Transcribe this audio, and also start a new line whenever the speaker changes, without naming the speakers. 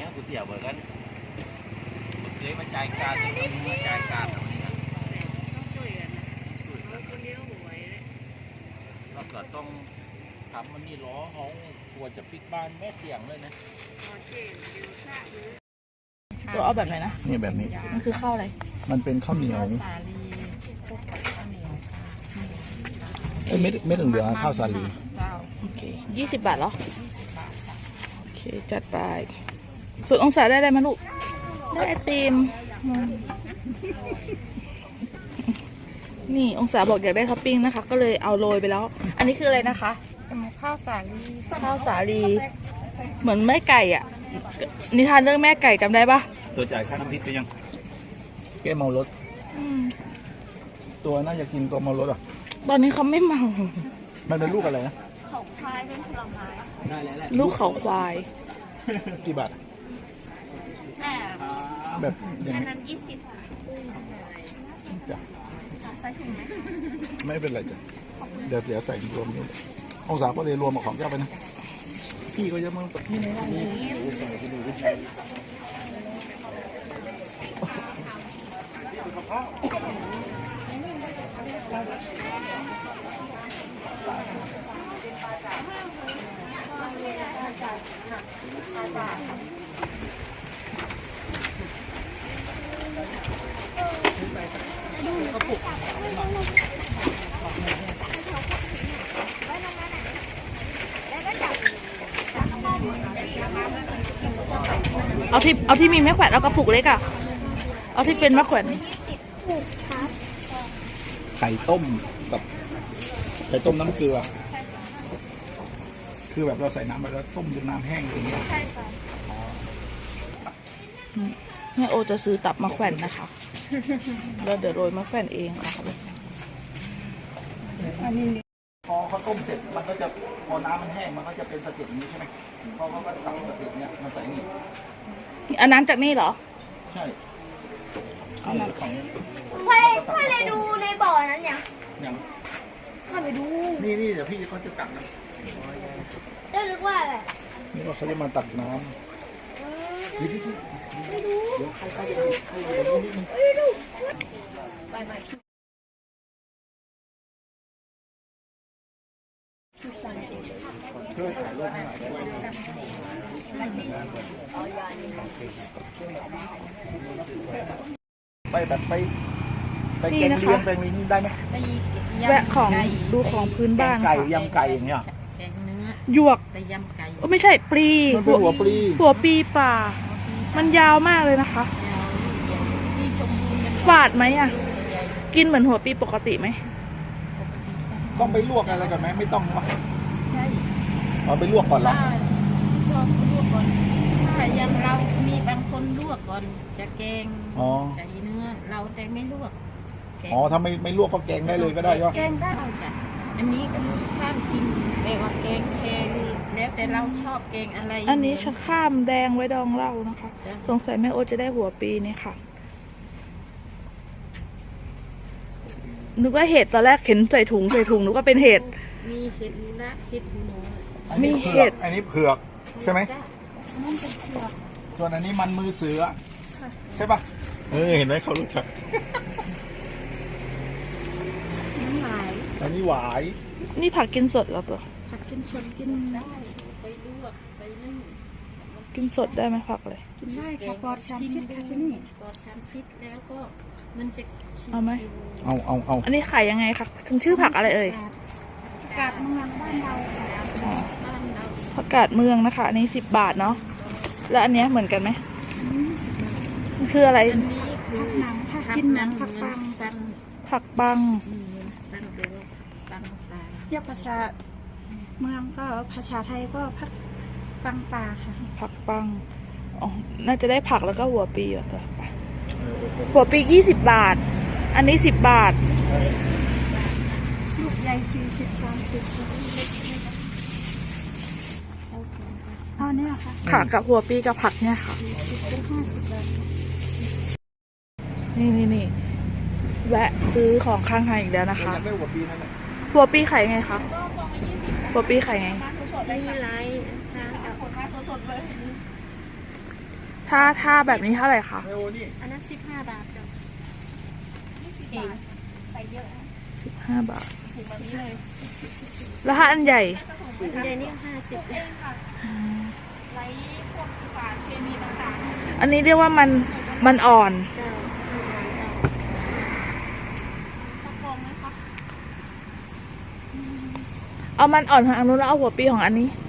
นี้ก๋วยเตี๋ยวเหมือนกันเจ๊มาจ่ายการจะต้องมาจ่ายการตรงนี้นะเราก็ต้องทำมันนี่ล้อเขากลัวจะปิดบ้านแม่เสียงเลยนะ
ตัวเอาแบบไหนนะ
นี่แบบนี้
มันคือข้าวอะไร
มันเป็นข้าวเหนียว
สาลีพวกข้าวเหนียว
เม็ดเหลืองข้าวสาลี
โอเค20 บาทเหรอโอเคจัดไปสุดองศาได้ไหมลูกได้ไอติมนี่องศาบอกอยากได้ท็อปปิ้งนะคะก็เลยเอาโรยไปแล้วอันนี้คืออะไรนะคะ
ข้าวสาลี
เหมือนแม่ไก่อ่ะนิทานเรื่องแม่ไก่จำได้ปะ
ตัวจ่ายค่าน้ำพริกไปยังแก้เมารถตัวน่าจะกินตัวเมารถอ่ะ
ตอนนี้เขาไม่เมา
มันเป็นลูกอะไรนะ
เขาควายเป็นผลไม้
ได้แล้ว
ลูกเขาควาย
กี่บาทแบบ
อันนั้น20
จ้ะ
ใส่ถุงไหม
ไม่เป็นไรจ้ะเดี๋ยวใส่รวมนี่องศาก็เลยรวมมาของแก้วไปนะพี่ก็จะมา
เอาที่มีแม่แขวนเอากระปุกเล็กอ่ะเอาที่เป็นแม่แขวน
ไข่ต้มกับไข่ต้มน้ำเกลือคือแบบเราใส่น้ำไปแล้วต้มจนน้ำแห้งอย่างเงี้ย
แม่โอจะซื้อตับมาแขวนนะคะแล้วเดี๋ยวโรยมาแขวนเองค่ะ
พอเขาต้มเสร็จมันก็จะพอน้ำมันแห้งมันก็จะเป็นสะเก็ดอย่างนี้ใช่ไหมพอเขาก็ตักสะเก็ดเนี้ยมาใส่นี่
อันน้ำจากนี่เหรอ
ใช่เอาน้ำของ
พ่อเลยดูในบ่อนั้นยังเข้าไปดู
นี่เดี๋ยวพี่เขาจะตักนะ
ได้นึกว่าอะไร
นี่ว่าเขาจะมาตักน้ำนี่ไม่ดูเดี๋ยวใครจะดูนิดนึงช่วยถ่ายรูปให้หน่อยไปแบบไปแกงเลียงแกงนี้ได้ไหม
แวะของดูของพื้นบ้าน
ไก่ยำไก่อย่างเงี้ย
แกงเนื้อ
หยวก
ไปยำไก่
ไม่ใช่ปลี
หัวปลี
ป่ามันยาวมากเลยนะคะฝาดไหมอ่ะกินเหมือนหัวปลีปกติไหม
ต้องไปลวกอะไรก่อนไหมไม่ต้องวะใช่เอาไปลวกก่อนเหรอ
ชอบลวกก่อนถ้ายังเรามีบางคนลวกก่อนจะแกงใส่เนื้อเราแต่ไม่ลวก
อ๋อถ้าไม่ลวกก็แกงได้เลยก็ได้ใช่ไหม
แกงได้จ้ะอันนี้คือข้ามกินแบบว่าแกงแครือแล้วแต่เราชอบแกงอะไร
อันนี้ชะข้ามแดงไว้ดองเหล้านะคะสงสัยแม่โอจะได้หัวปีนี่ค่ะนึกว่าเห็ดตอนแรกเห็นใส่ถุงนึกว่าเป็นเห็ด
มีเห็ดนะเห็ดหนู
มีเห็ด
อันนี้เผือกใช่ไหมส่วนอันนี้มันมือเสือใช่ป่ะเห็นไหมเขารู้จักอันนี้หวาย
นี่ผักกินสดแล้วตัว
ผักกินสดกินได้ไปลวกไปนึ่ง
กินสดได้ไหมผักเลย
กินได้ค่ะปลอดสารพิษค่ะที่นี่ปลอดสารพิษแล้วก็มันจะ
เอาไหม
เอา
อันนี้ขายยังไงคะถึงชื่อผักอะไรเอ่ย
ผักกาดเมืองบ้านเรา
ผักกาดเมืองนะคะอันนี้10 บาทเนาะแล้วอันนี้เหมือนกันไหมคืออะไร
อันนี้คือหนังผักกินหนังผักปังเรียกภาษาเมืองก็ภาษาไทยก็ผักปังปลาค่ะ
ผักปังอ๋อน่าจะได้ผักแล้วก็หัวปีอ่ะตัวหัวปี20 บาทอันนี้10 บาท
ลูกใหญ่40 30เอาเนี่ย
ค่ะกับหัวปีกับผักเนี่ยค่ะนี่แวะซื้อของข้างทางอีกแล้วนะคะหัวปีไข่ไงคะหัวปีไข่ไง
ไม่ไร
ถ้าแบบนี้เท่าไหร่คะ
ไอโอนี่
อันนั้น15 บาทจ้ะเองใส่เยอะ
15 บาท
ถุงแบบนี้เลย
แล้วถ้าอันใหญ่
ถุงใหญ่นี่50เลยไร้พวกสารเคมีต่างๆ
อันนี้เรียกว่ามันอ่อน
เจ้าสักกองไหมคะ
เอามันอ่อนของอันนู้นแล้วเอาหัวปีของอันนี้
ไ